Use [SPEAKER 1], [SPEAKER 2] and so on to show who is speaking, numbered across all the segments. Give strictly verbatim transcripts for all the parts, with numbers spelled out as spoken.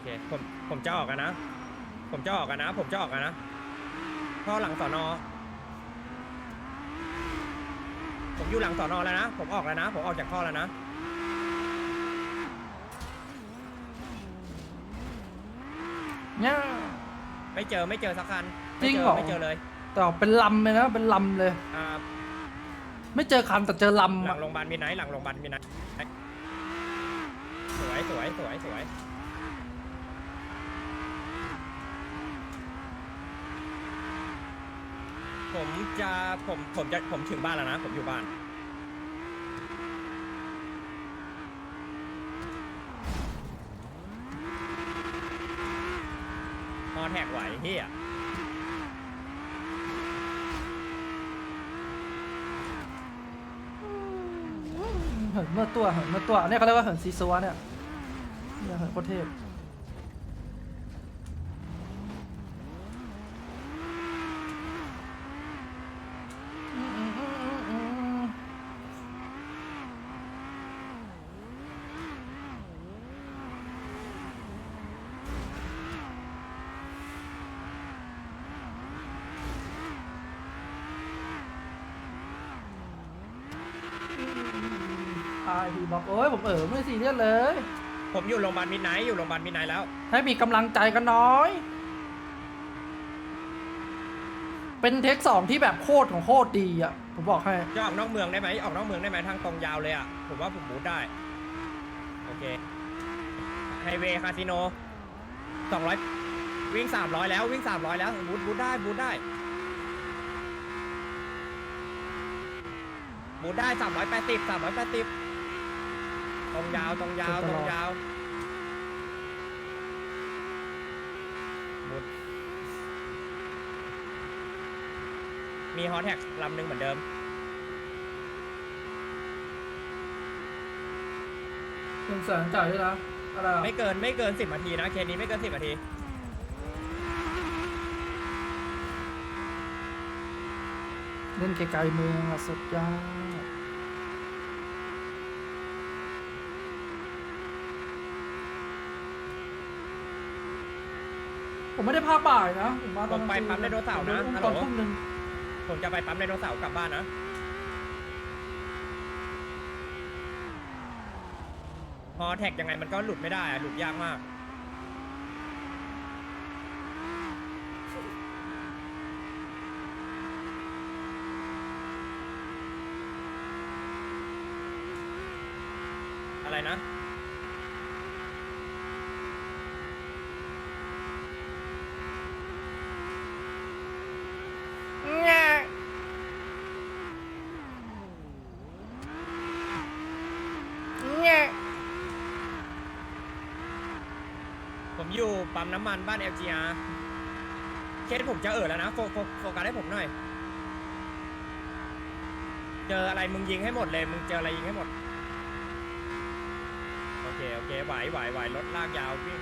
[SPEAKER 1] เคผมผมจะออกกันนะผมจะออกกันนะผมจะออกกันนะท่อหลังสอนอผมอยู่หลังสอนอแล้วนะผมออกแล้วนะผมออกจากท่อแล้วนะ
[SPEAKER 2] เนี่ย
[SPEAKER 1] ไม่เจอไม่เจอสักคัน
[SPEAKER 2] จริงเหรอ
[SPEAKER 1] ไม่เจอเลย
[SPEAKER 2] แต่ออกเป็นลำเลยนะเป็นลำเลย
[SPEAKER 1] อ่า
[SPEAKER 2] ไม่เจอคันแต่เจอลำ
[SPEAKER 1] หลั
[SPEAKER 2] อะ
[SPEAKER 1] งโรงพยาบาลมีไนท์หลังโรงพยาบาลมีไนท์สวยสวยสวยสวยผมจะผมผมจะผมถึงบ้านแล้วนะผมอยู่บ้านฮอแท็กไหวเฮีย
[SPEAKER 2] เหินเมื่อตัวเหินเมื่อตัวเนี่ยเขาเรียกว่าเหินซีซัวเนี่ยเนี่ยเหินโคตรเทพไอพีบอกโอ้ยผมเออไม่ซีเรียสเลย
[SPEAKER 1] ผมอยู่โรงพยาบาลมิดไนท์อยู่โรงพยาบาลมิดไนท์แล้ว
[SPEAKER 2] ให้มีกำลังใจกันน้อย เป็นเทคสองที่แบบโคตรของโคตรดีอ่ะผมบอกให้
[SPEAKER 1] จะออกนอกเมืองได้ไหมออกนอกเมืองได้ไหมทางตรงยาวเลยอ่ะผมว่าผมบูทได้โอเคไฮเวย์คาสิโนสองร้อยวิ่งสามร้อยแล้ววิ่งสามร้อยแล้วบูทบูทได้บูทได้บูทได้สามร้อยแปดสิบสามร้อยแปดสิบตรงยาวตรงยาวตรงยาวบูทมีฮอตแท็กลำหนึ่งเหมือนเดิม
[SPEAKER 2] หนึ่งแสนจ่ายด้วยนะอะไรอะ
[SPEAKER 1] ไม่เกินไม่เกินสิบนาทีนะเคสนี้ไม่เกินสิบนาที
[SPEAKER 2] เล่นไกลๆเมืองอะสุดยอดผมไม่ได้พาบ่ายนะผมมาต
[SPEAKER 1] ผ
[SPEAKER 2] อน
[SPEAKER 1] มไปปั๊มไดโนเสาร์นะ
[SPEAKER 2] ผม
[SPEAKER 1] ฮัล
[SPEAKER 2] ต
[SPEAKER 1] โหล
[SPEAKER 2] อนทุ่มหนึ่ง
[SPEAKER 1] ผมจะไปปั๊มไดโนเสาร์กลับบ้านนะฮอแท็กยังไงมันก็หลุดไม่ได้อะหลุดยากมากอะไรนะผมอยู่ปั๊มน้ำมันบ้าน แอล จี อาร์ เคสผมจะเอ่อแล้วนะโฟโฟโฟกัสให้ผมหน่อยเจออะไรมึงยิงให้หมดเลยมึงเจออะไรยิงให้หมดโอเคโอเคไหวไหวไหวรถลากยาวพี่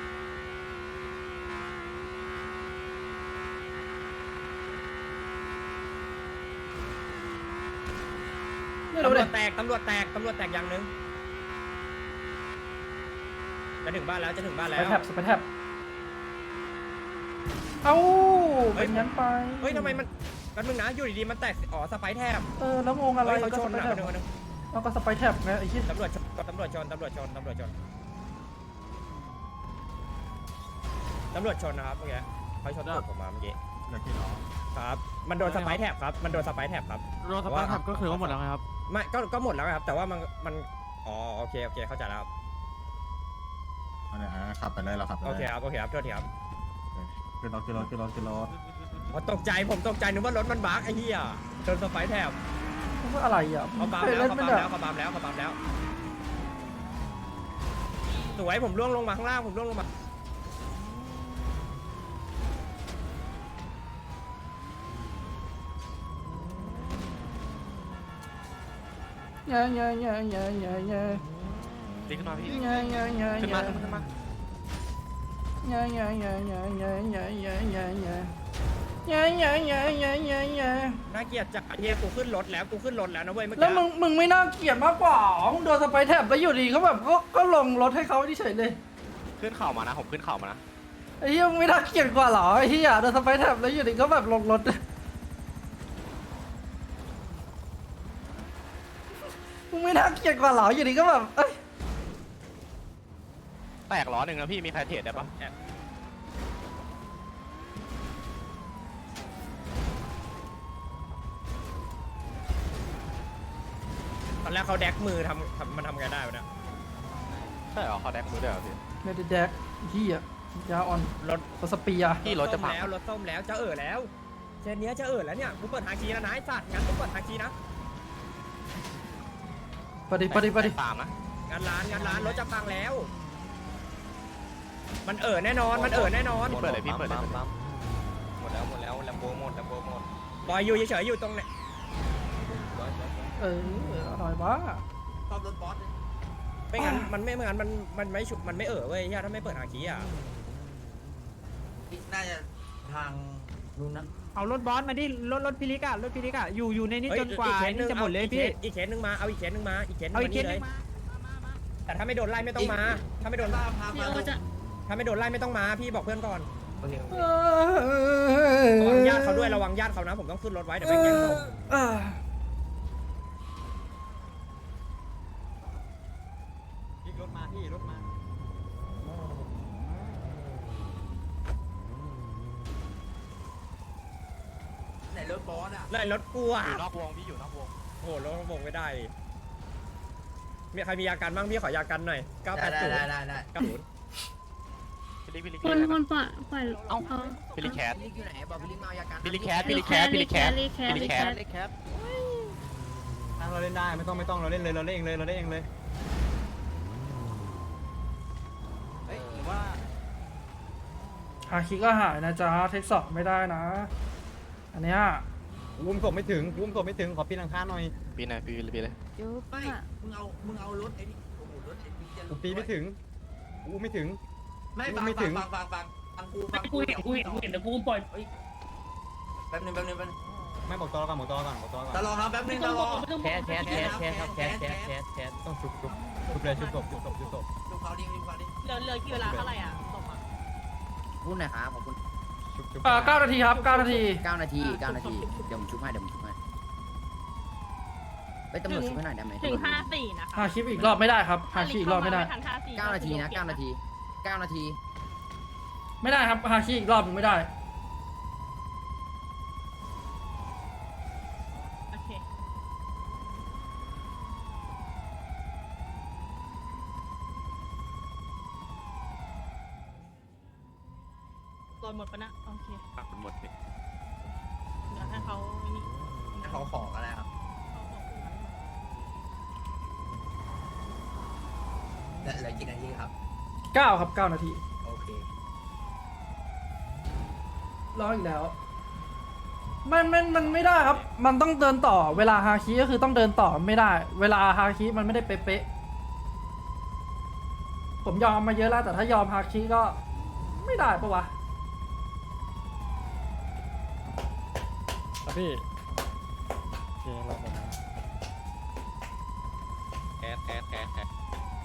[SPEAKER 2] ไม่
[SPEAKER 1] ตำ
[SPEAKER 2] รู้
[SPEAKER 1] ร
[SPEAKER 2] เล
[SPEAKER 1] วย จแตก ตำรวจแตก ตำรวจแตกอย่างหนึ่งจะถึงบ้านแล้ว จะถึงบ้าน
[SPEAKER 2] ส
[SPEAKER 1] แล้
[SPEAKER 2] ไป
[SPEAKER 1] ว
[SPEAKER 2] แท็บสไปแท็บเอ้า
[SPEAKER 1] เฮ้ย
[SPEAKER 2] เป็นงั้นไป
[SPEAKER 1] เฮ้ยทำไมมันแป๊บนึงนะ อยู่ดีๆ มันแตก อ๋อ สไปร์แทบ
[SPEAKER 2] เออแล้วงงอะไร
[SPEAKER 1] เฮ้ยเขา
[SPEAKER 2] ก็
[SPEAKER 1] ช
[SPEAKER 2] ส
[SPEAKER 1] น
[SPEAKER 2] ไป
[SPEAKER 1] นะ
[SPEAKER 2] แท็
[SPEAKER 1] ค
[SPEAKER 2] บ
[SPEAKER 1] นหนึ่งคนหนึ่ง
[SPEAKER 2] เอาก็สไปแท็บไงไอ้ที่
[SPEAKER 1] ตำรวจชนตำรวจชน ตำรวจชน ตำรวจชน ตำรวจชน ตำรวจชนนะครับเมื่อกี้เขาชนตูดผมมาเมื่อกี้
[SPEAKER 3] อยากกินเหรอ
[SPEAKER 1] ครับ มันโดนสไปร์แทบครับ มันโดนสไปร์แทบครับ
[SPEAKER 3] โดนสปาร์ทับก็คือว่าหมดแล้วไงครับ
[SPEAKER 1] ไม่ ก็ ก็หมดแล้วครับ แต่ว่ามัน มัน อ๋อ โอเค โอเค เข้าใจแล้วครับ
[SPEAKER 3] อันนี้ขับไปเลยเราขับไป
[SPEAKER 1] โอ
[SPEAKER 3] เลย
[SPEAKER 1] เคครับ โอเคครับ โทษทีครับ
[SPEAKER 3] ขึ้นรถขึ้นรถขึ้นรถขึ้นรถ
[SPEAKER 1] อ๋อตกใจ ผมตกใจนึกว่ารถมันบั๊กไอ้เหี้ยโดนสไปร์แทบ
[SPEAKER 2] ว่าอะไรอ่ะ
[SPEAKER 1] เขาปั๊ม
[SPEAKER 2] เคย
[SPEAKER 1] แล้ว
[SPEAKER 2] เล่น
[SPEAKER 1] เขา
[SPEAKER 2] ไม่
[SPEAKER 1] ปั๊ม
[SPEAKER 2] ได้
[SPEAKER 1] แล้วเขาปั๊มแล้วเขาปั๊มแล้วสวยผมล่วงลงมาข้างล่างผมล่วงลงมา
[SPEAKER 2] เงี้ยเงี้ยเงี้ยเงี้ยเงี้ยเงี้ย
[SPEAKER 3] ตีขึ้นมาพี่
[SPEAKER 2] เงี้ยเงี้ยเงี้ย
[SPEAKER 3] ขึ้น
[SPEAKER 2] เงี้
[SPEAKER 3] มาย ขึ้นมา
[SPEAKER 2] เงี้ยเงี้ยเงี้ยเงี้ยเงี้ยเงี้ยเงี้ยเงี้ยเงี้ยเงี้ยเงี้ยเงี้ยเงี้ยเงี้ยเงี้ย
[SPEAKER 1] น่าเกลียดจัดเฮียกูขึ้นรถแล้วกูขึ้นรถแล้วนะเว้ยเมื่อ
[SPEAKER 2] แล้ว
[SPEAKER 1] กี้
[SPEAKER 2] มึงมึงไม่น่าเกลียดมากกว่ามึงโดนสไปแท็บแล้วอยู่ดีเขาแบบก็ก็ลงรถให้เขาที่เฉยเลย
[SPEAKER 4] ขึ้นเข่ามานะผมขึ้นเข่ามานะ
[SPEAKER 2] ไอ้เหี้ยมึงไม่น่าเกลียดกว่าเหรอไอ้เหี้ยโดนสไปร์แท็บแล้วอยู่ดีก็แบบลงรถมึงไม่น่าเกลียดกว่าเหรออยู่ดีก็แบบเอ้ย
[SPEAKER 4] แตกล้อหนึ่งนะพี่มีใครเทรดได้ปะ
[SPEAKER 1] ตอนแรกเขาแดกมือทำทำมันทำไงได้วะเนี่ย
[SPEAKER 4] ใช่เหรอเขาแดกมือได้เหรอพี่
[SPEAKER 2] เมดิแดกเหี้ยยาอ่อน
[SPEAKER 1] รถ
[SPEAKER 2] รถสเปียร์
[SPEAKER 4] พี่รถจะพัง
[SPEAKER 1] แล้วรถส้มแล้วจะเอ่อแล้วเชนเนี้ยจะเอ่อแล้วเนี่ยกูเปิดทางชี้แล้วนะไอ้สัตว์งั้นกูเปิดทางชี้นะ
[SPEAKER 2] ปฏิปฏิปฏิ
[SPEAKER 4] ตามนะ
[SPEAKER 1] งานร้านงานร้านรถจะพังแล้ว มันเอ่อแน่นอนมันเอ่อแน่นอน
[SPEAKER 4] พี่เปิดเลยพี่เปิดเลย
[SPEAKER 5] หมดแล้วหมดแล้วแลมโบหมดแลมโบหมด
[SPEAKER 1] บอยอยู่เฉยๆอยู่ตรงไหน
[SPEAKER 2] เอออร่อยบ้า
[SPEAKER 5] ซ่อมรถบอส
[SPEAKER 1] ไม่งั้นมันไม่ไม่งั้นมันมันไม่ฉุมันไม่เอ่อเว้ยเฮียถ้าไม่เปิดทางชี้อ่ะ
[SPEAKER 5] น่าจะทางนู้นนะ
[SPEAKER 6] เอารถบอสมาดิรถรถพิลิกอะรถพิลิกอะอยู่อยู่ในนี้
[SPEAKER 1] เฮ้ย
[SPEAKER 6] จนกว่า
[SPEAKER 1] อีเคส
[SPEAKER 6] นี่จะหมดเลย
[SPEAKER 1] อา
[SPEAKER 6] พี่
[SPEAKER 1] อีกเคสหนึงมาเอาอีกเคสหนึงมาอีกเคสหนึง
[SPEAKER 6] เอา
[SPEAKER 1] มา
[SPEAKER 6] อีกเค
[SPEAKER 1] นี่
[SPEAKER 6] ส
[SPEAKER 1] เล
[SPEAKER 6] นึ
[SPEAKER 1] ย
[SPEAKER 6] งมา
[SPEAKER 1] แต่ถ้าไม่โดนไล่ไม่ต้องมา ถ้าไม่โดน
[SPEAKER 5] พาพา
[SPEAKER 7] พี่
[SPEAKER 5] มา
[SPEAKER 7] โอจะ
[SPEAKER 1] ถ้าไม่โดนไล่ไม่ต้องมาพี่บอกเพื่อนก่อน
[SPEAKER 2] เอ
[SPEAKER 1] ระวังญาติเขาด้วยระวังญาติเขานะผมต้องขึ้นรถไว้เดี๋ยวไปแย่งศพ
[SPEAKER 2] เออ
[SPEAKER 3] รถมาพี่รถมา
[SPEAKER 5] ไหนรถบอสอ่ะ
[SPEAKER 1] ไล่รถกูอ่ะ
[SPEAKER 4] อยู่นอกวงพี่อยู่นอกวง
[SPEAKER 1] โอ้โหรถวงไม่ได้ดิมีใครมียากันบ้างพี่ขอยากันหน่อยเก้าแป
[SPEAKER 5] ได้
[SPEAKER 1] ดศูนย์
[SPEAKER 5] ได้ได้ได้
[SPEAKER 1] เก้าศูนย์
[SPEAKER 4] พี่ลิกพี่ลิก
[SPEAKER 7] คนคนปล่อยปล่อย
[SPEAKER 4] เอ้า
[SPEAKER 7] เขา
[SPEAKER 4] พี่ลิกแคท
[SPEAKER 5] พี่ลิกอยู่ไหนบอกพี่ลิกมาเอายากัน
[SPEAKER 4] พี่ลิกแคทพี่ลิกแคทพี่ลิกแคท
[SPEAKER 7] รีแคส
[SPEAKER 4] พี่ลิ
[SPEAKER 7] รี
[SPEAKER 4] ก
[SPEAKER 7] แค
[SPEAKER 4] แค
[SPEAKER 7] ส
[SPEAKER 4] ท
[SPEAKER 3] แคทเราเล่นได้ไม่ต้องไม่ต้องเราเล่นเลยเราเล่นเองเลยเราเล่นเองเลยเฮ้ยหรือว่า
[SPEAKER 2] หาคิก็หายนะจ๊ะเทคสองไม่ได้นะ อันเนี้ย
[SPEAKER 3] อุ้มศพไม่ถึงอุ้มศพไม่ถึงขอปีนหลังคาหน่อย
[SPEAKER 4] ปีนหน่อยปีนปีนเลย
[SPEAKER 7] ยุบ
[SPEAKER 5] ไม่
[SPEAKER 7] อะ
[SPEAKER 5] มึงเอามึงเอารถไอ้นี่โอ้โหรถไอ้นี่จะ
[SPEAKER 3] กูปีนไม่ถึงอุ้มไม่ถึง
[SPEAKER 5] ไม่ฟัง
[SPEAKER 3] ไม่ถึ
[SPEAKER 5] ฟัง
[SPEAKER 3] ง
[SPEAKER 5] ฟังฟังฟังฟังกูฟัง
[SPEAKER 6] กูเห็นกูเห็นกูเห็นแต่กูปล่อย
[SPEAKER 5] แป๊บนึงแป๊บนึงแป๊บนึง
[SPEAKER 3] ไม่บอกตอก่อนบอกตอก่อนบอกตอก่อน
[SPEAKER 5] ตลอดครับแป๊บนึงตลอด
[SPEAKER 6] แคสแคสแคสแคสครับแคสแคสแคสแคส
[SPEAKER 3] ต้องชุบชุบชุบเลยชุบศพชุบศพชุบศพ
[SPEAKER 5] ดูเขาดิดูเขาดิ
[SPEAKER 6] เหลือเหลือกี่เวลาเท่าไหร่อ่ะส่งมา
[SPEAKER 8] พูดหน่อยครับขอบคุณ
[SPEAKER 3] ชุบชุบ
[SPEAKER 2] เอ่อเก้านาทีครับเก้านาที
[SPEAKER 8] เก้านาทีเก้านาที เดี๋ยวผมชุบให้เดี๋ยวผมชุบให้ไปตำรวจชุบให้หน่อยได้ไหม
[SPEAKER 7] ถึงห้าสี่นะคะ
[SPEAKER 2] หาคลิปอีกรอบไม่ได้ครับหาคลิปอีกรอบไม่ได้
[SPEAKER 7] ทันห้าสี่
[SPEAKER 8] เก้านาทีนะเก้านาทีเก้านาที
[SPEAKER 2] ไม่ได้ครับหาคลิปอีกรอบหนึงไม่ได้
[SPEAKER 7] โอเครอยหมดปะนะโอเค
[SPEAKER 4] หมดพี่
[SPEAKER 7] เดี๋ยวให้เขานี่
[SPEAKER 5] เขาของอะไรครับเหลือเหลือกี่นาทีครับ
[SPEAKER 2] เก้าครับเก้านาที
[SPEAKER 5] โอเค
[SPEAKER 2] รออีกแล้ว มันมันมันไม่ได้ครับ มันต้องเดินต่อ เวลาฮาคิก็คือต้องเดินต่อไม่ได้ เวลาฮาคิมันไม่ได้เป๊ะๆผมยอมมาเยอะแล้ว แต่ถ้ายอมฮาคิก็ไม่ได้ปะวะ
[SPEAKER 1] พี่โอเคเราหมดแล้ว
[SPEAKER 5] แคสแคสแคสแคส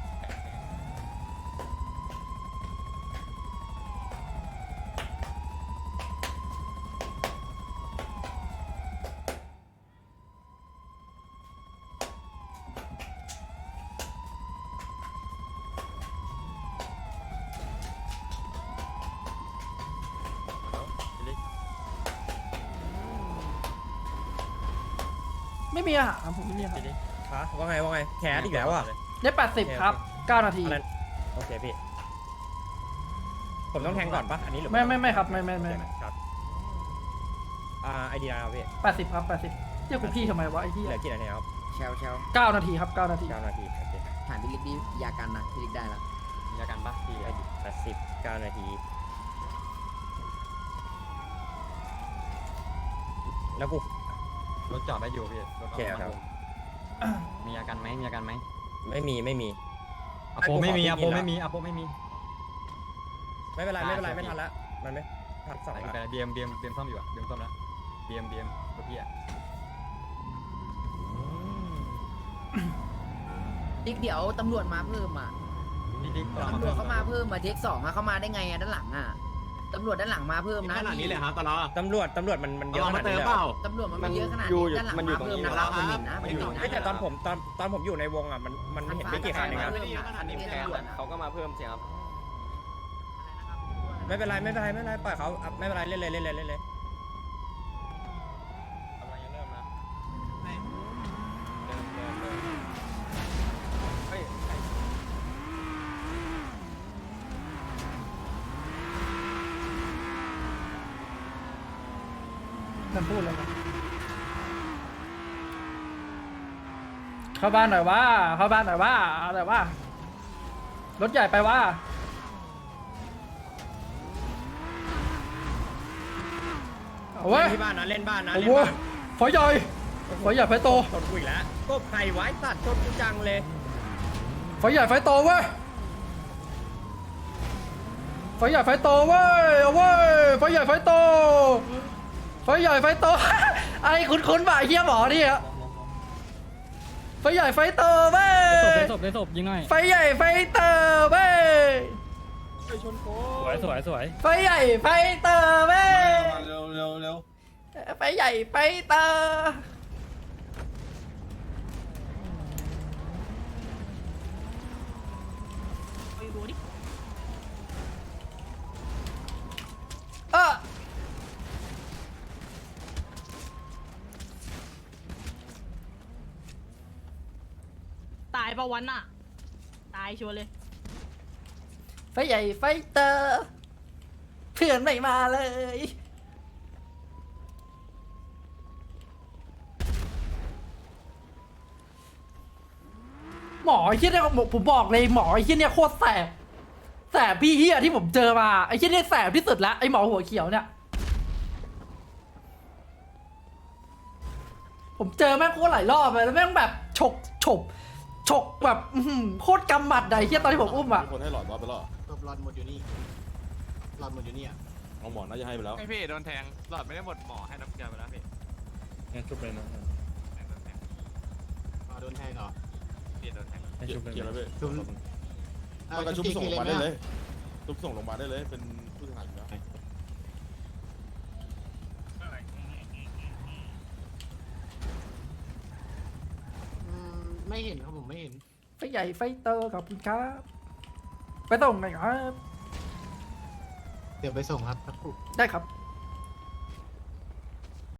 [SPEAKER 2] ไม่มีอาหารผมไม่มีอาหาร
[SPEAKER 1] ฮะว่าไงว่าไงแคสอีกแล้วอ่ะ
[SPEAKER 2] ได้แปดสิบครับเก้านาที
[SPEAKER 1] อันนั้นโอเคพี่ ผมต้องแทงก่อนปะอันนี้หรือ
[SPEAKER 2] ไม่ไม่ไม่ครับไม่ไม่
[SPEAKER 1] โอ
[SPEAKER 2] ไม่
[SPEAKER 1] เคครับอ่าไอเดียครับพี่
[SPEAKER 2] แปดสิบครับแปดสิบเรียกกูพี่ทำไมวะไอ้ที่
[SPEAKER 1] เหลือกี่นาทีครับ
[SPEAKER 8] เชลเชล
[SPEAKER 2] เก้านาทีครับเก้านาที
[SPEAKER 1] เก้านาทีโอเค
[SPEAKER 8] ถามพี่ลิกดิยากันนะพี่ลิกได้แล้ว
[SPEAKER 3] มีอาการปะพี่
[SPEAKER 1] ไอดีแปดสิบเก้านาที แล้วกู
[SPEAKER 3] รถจอดได้อยู่พี่รถ
[SPEAKER 1] โอเคครับ
[SPEAKER 3] มีอาการไหมมีอาการไหม
[SPEAKER 1] ไม่มีไม่มี
[SPEAKER 3] อโปไม่มี
[SPEAKER 1] ให้
[SPEAKER 3] อ
[SPEAKER 1] กู
[SPEAKER 3] โป
[SPEAKER 1] ขอ
[SPEAKER 3] ไม่มีอโปไม่มี
[SPEAKER 1] ไม่เป็นไรไม่เป็นไร
[SPEAKER 3] อ่า
[SPEAKER 1] ไม่ทันละมันไม่ทันสอง
[SPEAKER 3] ไป
[SPEAKER 1] ละ
[SPEAKER 3] ไปเบียมเบียมเบียมซ่อมอยู่อะเบียมซ่อมแล้วเบียมเบียมรถพี่อะ
[SPEAKER 8] ลิกเดี๋ยวตำรวจมาเพิ่มอ่ะตำรวจเขามาเพิ่มมาเทคสองอะเขามาได้ไงอะด้านหลังอะตำรวจด้านหลังมาเพิ่มนะ
[SPEAKER 3] ขนาดนี้เลยครับตลอด
[SPEAKER 1] ตำรวจตำรวจมันมันเยอะขนาดนี้เลยเหรอ
[SPEAKER 8] ตำรวจมันไม่เยอะขนาดนี้ด้านหลังมาเพิ่มนะครับมันเห็นนะมันเห็นนะ
[SPEAKER 1] เฮ้ยแต่ตอนผมตอนตอนผมอยู่ในวงอ่ะมันมันเห็นไม่กี่คันเองครับ
[SPEAKER 8] เขาก็มาเพิ่มสิครับ
[SPEAKER 1] ไม่เป็นไรไม่เป็นไรไม่เป็นไรปล่อยเขาอ่ะไม่เป็นไรเล่นเลยเล่นเลยเล่นเลยกำลังจะเริ่มนะเริ่มเริ่มเริ่มเฮ้ย
[SPEAKER 2] มันพูดเลยนะเข้าบ้านหน่อยว่าเข้าบ้านหน่อยว่าเอาแต่ว่ารถใหญ่ไปว่าเอาเว้ย
[SPEAKER 1] เล่นที่บ้านนะเล่นบ้านนะ
[SPEAKER 2] โอ้
[SPEAKER 1] เล่
[SPEAKER 2] โห
[SPEAKER 1] นบ้าน
[SPEAKER 2] ฝอยใหญ่ฝอยใหญ่ไฟโต
[SPEAKER 1] ชนกูอีกแล้วก็ไข่ไว้ตัดชนกูจังเลย
[SPEAKER 2] ฝอยใหญ่ไฟโตเว้ยฝอยใหญ่ไฟโตเว้ยเอาเว้ยฝอยใหญ่ไฟโตฝอยใหญ่ไฟโต ไอ้คุ้นๆบ่ะไอ้เหี้ยหมอนี่อะฝอยใหญ่ไฟโตเว้ย
[SPEAKER 6] ได้ศพได้ศพยิงหน่อย
[SPEAKER 2] ไฟใหญ่ไฟเตอร์เว้ย
[SPEAKER 6] สวยสวยสวย
[SPEAKER 2] ไฟใหญ่ไฟเตอร์เว้ย
[SPEAKER 5] เร็วเร็วเร็ว
[SPEAKER 2] ไฟใหญ่ไฟเตอร์
[SPEAKER 7] ไปดูดิ
[SPEAKER 2] เออ
[SPEAKER 7] ตายปะวันน่ะ ตายชัวร์เลย
[SPEAKER 2] ไฟใหญ่ไฟเตอร์เพื่อนไม่มาเลยหมอไอ้เหี้ยเนี่ยผมบอกเลยหมอไอ้เหี้ยเนี่ยโคตรแสบแสบพี่เหี้ยที่ผมเจอมาไอ้เหี้ยเนี่ยแสบที่สุดละไอ้หมอหัวเขียวเนี่ยผมเจอแม่งโคตรหลายรอบเลยแล้วแม่งแบบฉกฉกฉกแบบอื้อหือโคตรกำหมัดอะไอ้เหี้ยตอนที่ผมอุ้มอะ
[SPEAKER 9] มีคนให้หลอดวอดไปแล้วเหรอ
[SPEAKER 3] หลอดหมดอยู่นี่หลอดหมดอยู่นี่อ่ะ
[SPEAKER 9] เอาหมอน่าจะให้ไปแล้ว
[SPEAKER 4] ไอพี่โดนแทงหลอดไม่ได้หมดหมอให้น้ำเกลือไปแล้วพี่
[SPEAKER 9] งั้นชุบเลยนะ
[SPEAKER 3] โดนแทงเหรอ
[SPEAKER 4] พี่โดนแทง
[SPEAKER 9] เกี่ยวเกี่ยวแล้วพี่
[SPEAKER 3] ชุบ
[SPEAKER 9] มันก็ชุบส่งโรงพยาบาลได้เลยชุบส่งโรงพยาบาลได้เลยเป็นผู้เสียหายอยู่แล้ว
[SPEAKER 3] ไม่เห็นครับผมไม่เห็น
[SPEAKER 2] ไฟใหญ่ไฟเตอร์ขอบคุณครับไปส่งหน่อยครับ
[SPEAKER 3] เดี๋ยวไปส่งครับครับ
[SPEAKER 2] ได้ครับ